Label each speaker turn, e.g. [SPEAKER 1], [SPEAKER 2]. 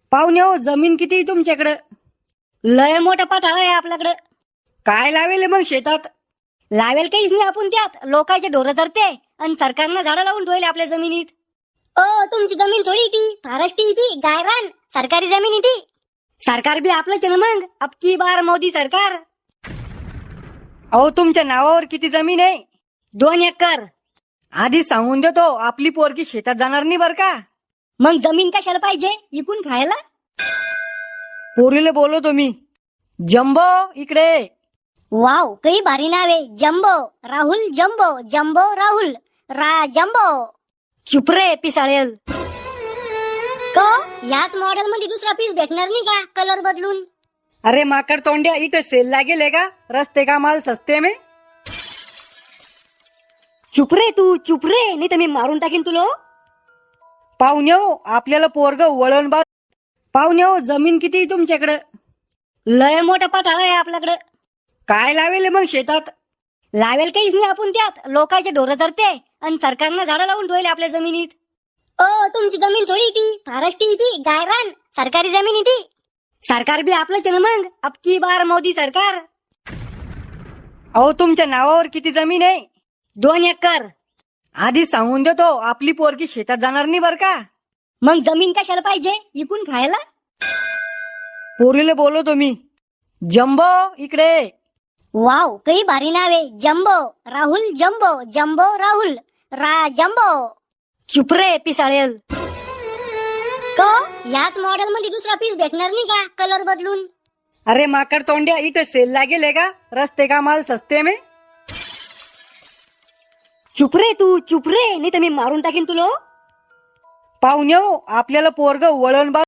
[SPEAKER 1] पाहुणे हो, जमीन किती आहे तुमच्याकडं?
[SPEAKER 2] लय मोठा पाठाळ आहे आपल्याकडे.
[SPEAKER 1] काय लावेल मग शेतात?
[SPEAKER 2] लावेल काहीच नाही आपण त्यात. लोकांचे ढोरं धरते आणि सरकारनं झाडं लावून ठेवले आपल्या जमिनीत. तुमची जमीन थोडी ती फारष्टी ती गायरान सरकारी जमीन ती. सरकार बी आपलंच आहे ना मग. अब की बार मोदी सरकार.
[SPEAKER 1] अहो, तुमच्या नावावर किती जमीन आहे?
[SPEAKER 2] 2 एकर.
[SPEAKER 1] आधी सांगून देतो, आपली पोरगी शेतात जाणार नाही बर का.
[SPEAKER 2] मग जमीन कशाला पाहिजे? इकून खायला.
[SPEAKER 1] पोरीला बोलवतो मी. जम्बो इकडे ये.
[SPEAKER 2] वाव, काही भारी नाव आहे. Jumbo Rahul. Jumbo jumbo Rahul. Jumbo. चुप रे पिसाळेल. को याच मॉडेल मध्ये दुसरा पीस भेटणार नाही का कलर बदलून?
[SPEAKER 1] अरे माकड तोंड्या, इथं सेल लागेल का? रस्ते का माल सस्ते में.
[SPEAKER 2] चुप रे तू, चुप रे, नाही तर मी मारून टाकीन तुला.
[SPEAKER 1] पाहुणे हो, आपल्याला पोरग वळण बा. पाहुणे हो, जमीन किती आहे तुमच्याकडं?
[SPEAKER 2] लय मोठा पाठाळ आहे आपल्याकडे.
[SPEAKER 1] काय लावेल मग शेतात?
[SPEAKER 2] लावेल काहीच नाही आपण त्यात. लोकांचे ढोरं धरते आणि सरकारनं झाडं लावून ठेवले आपल्या जमिनीत. तुमची जमीन थोडी ती फारष्टी ती गायरान सरकारी जमीन ती. सरकार बी आपलंच आहे ना मग. अब की बार मोदी सरकार.
[SPEAKER 1] अहो, तुमच्या नावावर किती जमीन आहे?
[SPEAKER 2] 2 एकर.
[SPEAKER 1] आधी सांगून देतो, आपली पोरगी शेतात जाणार नाही बर का.
[SPEAKER 2] मग जमीन कशाला पाहिजे? इकून खायला.
[SPEAKER 1] पोरीला बोलवतो मी. जम्बो इकडे ये.
[SPEAKER 2] वाव, काही भारी नाव आहे. Jumbo Rahul. Jumbo jumbo Rahul. Jumbo. चुप रे पिसाळेल. को याच मॉडेल मध्ये दुसरा पीस भेटणार नाही का कलर बदलून?
[SPEAKER 1] अरे माकड तोंड्या, इथं सेल लागेल का? रस्ते का माल सस्ते में.
[SPEAKER 2] चुप रे तू, चुप रे, नाही तर मी मारून टाकीन तुला.
[SPEAKER 1] पाहुणे हो, आपल्याला पोरग वळण बा.